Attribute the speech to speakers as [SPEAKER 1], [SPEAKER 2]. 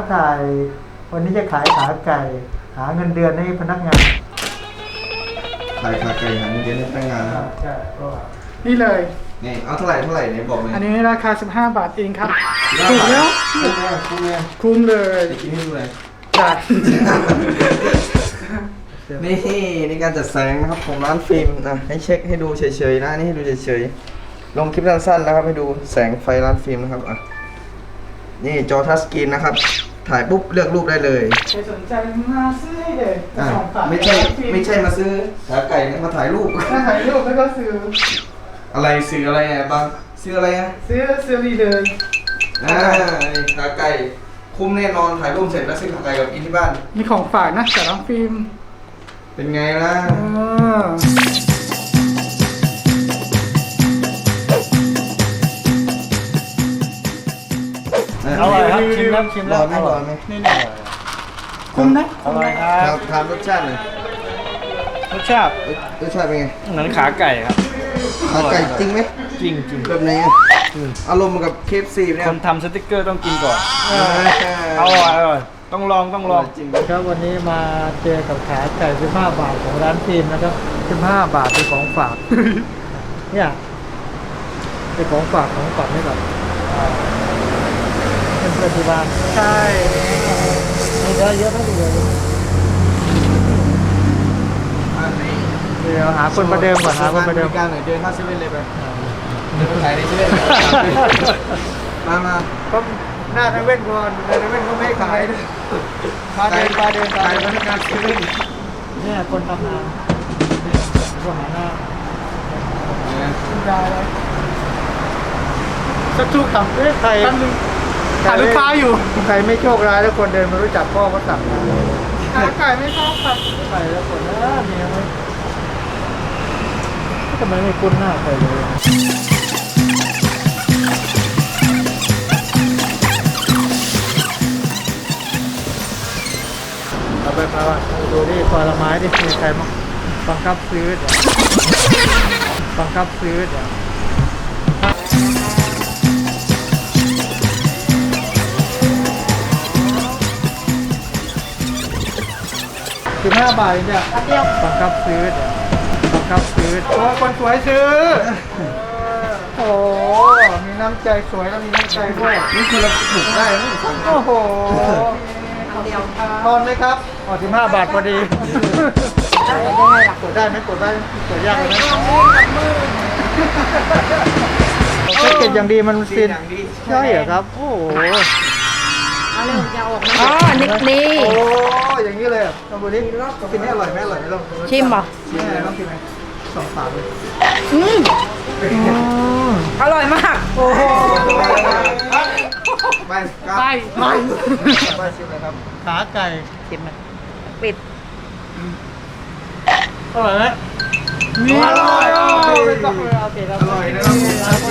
[SPEAKER 1] ถ่ายวันนี้จะขายขาไก่หาเงินเดือนให้พนักงาน
[SPEAKER 2] ขายขาไก่หาเงินเดือนให้พนักงานนะครับ
[SPEAKER 1] ใช่ก็
[SPEAKER 3] นี่เลย
[SPEAKER 2] นี่เอาเท่าไหร่เนี่ยบอกเลย
[SPEAKER 3] อันนี้ราคา15 บาทเองครับ
[SPEAKER 2] 15
[SPEAKER 3] ถูกแล้ว
[SPEAKER 1] คุ้มแน่คุ้มแน่
[SPEAKER 3] คุ้มเลย
[SPEAKER 2] จะกินให้ดูเลย
[SPEAKER 3] จัด
[SPEAKER 2] นี่ในการจัดแสงนะครับของร้านฟิล์มนะให้เช็คให้ดูเฉยๆนะนี่ให้ดูเฉยๆลงคลิปสั้นๆนะครับให้ดูแสงไฟร้านฟิล์มนะครับอ่ะนี่จอทัชสกรีนนะครับถ่ายปุ๊บเลือกรูปได้เลย
[SPEAKER 3] ใครสนใจมาซื้อได้เลย
[SPEAKER 2] อ่ะ
[SPEAKER 3] ของฝาก
[SPEAKER 2] ไม่ใช่มาซื้อขาไก่นะมาถ่ายรูป
[SPEAKER 3] ถ้าถ่ายรูปแล้วก็ซื้อ
[SPEAKER 2] อะไรซื้ออะไรอ่ะบางซื้ออะไรอ่ะ
[SPEAKER 3] ซื้อนี่เลย
[SPEAKER 2] นี่ขาไก่คุ้มแน่นอนถ่ายรูปเสร็จแล้วซื้อขาไก่กับกินที่บ้าน
[SPEAKER 3] มีของฝากนะจากน้องฟิล์ม
[SPEAKER 2] เป็นไงล่ะ
[SPEAKER 1] อร่อยครับชิมแล้วชิม
[SPEAKER 2] ร
[SPEAKER 1] แล้
[SPEAKER 2] อ
[SPEAKER 1] ว
[SPEAKER 2] ไหมรอไหม
[SPEAKER 3] นี่คุ้มนะ
[SPEAKER 1] อร่อยค
[SPEAKER 2] ค
[SPEAKER 1] รั
[SPEAKER 2] รั
[SPEAKER 1] บบ
[SPEAKER 2] ทานรสชาติหน่อย
[SPEAKER 1] รสชาติ
[SPEAKER 2] รสชาติเป็นไง
[SPEAKER 1] เหมือนขาไก่ครับ
[SPEAKER 2] ขาไก่จริงไหม
[SPEAKER 1] จริงจริง
[SPEAKER 2] แบบไหนอ่ะอารมณ์เหมือนกับเคฟซีเนี่ย
[SPEAKER 1] คนทำสติ๊กเกอร์ต้องกินก่อน
[SPEAKER 2] อ
[SPEAKER 1] อร่อยอร่อยต้องลองต้องลอง
[SPEAKER 2] จริง
[SPEAKER 1] ครับวันนี้มาเจอกับขาไก่15 บาทของร้านฟิล์มนะครับ15 บาทเป็นของฝาก เนี่ยเป็นของฝากให้กับเพื่อนๆที่บ้าน
[SPEAKER 3] ใช่
[SPEAKER 1] มีเยอะเยอะมากเลยเดี๋ยวหาคนประเดิมก่อนหาคนประเดิม
[SPEAKER 2] การหน่อยเดินเข้าเซเว่นเลยไปเดินไปขายในเซเว่นมา
[SPEAKER 1] ก็หน้าเซเว่นก่อนเซเว่นก็ไม่ให้ขายพาเดิน
[SPEAKER 2] ขายพนักงานเซเว่น
[SPEAKER 1] เนี่ยคนทำงานก็หาหน้า
[SPEAKER 3] ได้เลย
[SPEAKER 1] สักทุกคำเอ้ยใคร
[SPEAKER 3] แป๊บนึงหาลูกค้าอยู่
[SPEAKER 1] ใครไม่โชคร้ายแล้วคนเดินมารู้จักพ่อก็สั่งนะ
[SPEAKER 3] ขาไก่ไม่ชอบครับ
[SPEAKER 1] ไปแล้วคนเมียไม่ทำไมไม่คุ้นหน้าใครเลยเอาไปมาดูดิผลไม้ดิมีใครมั้งบังคับซื้อเดี๋ยวบังคับซื้อเดี๋ยว15 บาทเนี่ยบังคับซื้อเดี๋ยวบังคับซื้อ
[SPEAKER 3] โอ้คนสวยซื้อ
[SPEAKER 1] โอ้มีน้ำใจสวยแล้วมีน้ำใจด้วย
[SPEAKER 2] นี่คือเราถูกได้ไหม
[SPEAKER 1] โอ้โหตอนไหมครับอ๋อ15 บาทพอดีกดได้ไหมกดได้กดยากเลยไหมแพ็กเกจอย่างดีมันฟินใช่เหรอครับ โอ้โห
[SPEAKER 4] เอาเร็วจะออกมาอ๋อนี่
[SPEAKER 1] โอ้อย่างนี้เลยลองดูดิกินให้อร่อยไหมอร่อยไหมลอง
[SPEAKER 4] ชิมป่ะ
[SPEAKER 1] ชิมเลยลองกินไหม2 ปากเลย
[SPEAKER 4] อืมอร่อยมาก
[SPEAKER 1] โอ้โห
[SPEAKER 2] ไปครับ
[SPEAKER 3] ไป
[SPEAKER 1] ไปชิมเลยครับขาไก่
[SPEAKER 4] ชิมไหมปิด
[SPEAKER 1] อร่อยไหม
[SPEAKER 3] นี่อร่อย
[SPEAKER 1] ไม่ต้องเลยโอเคครับ
[SPEAKER 2] อร่อยนะครับ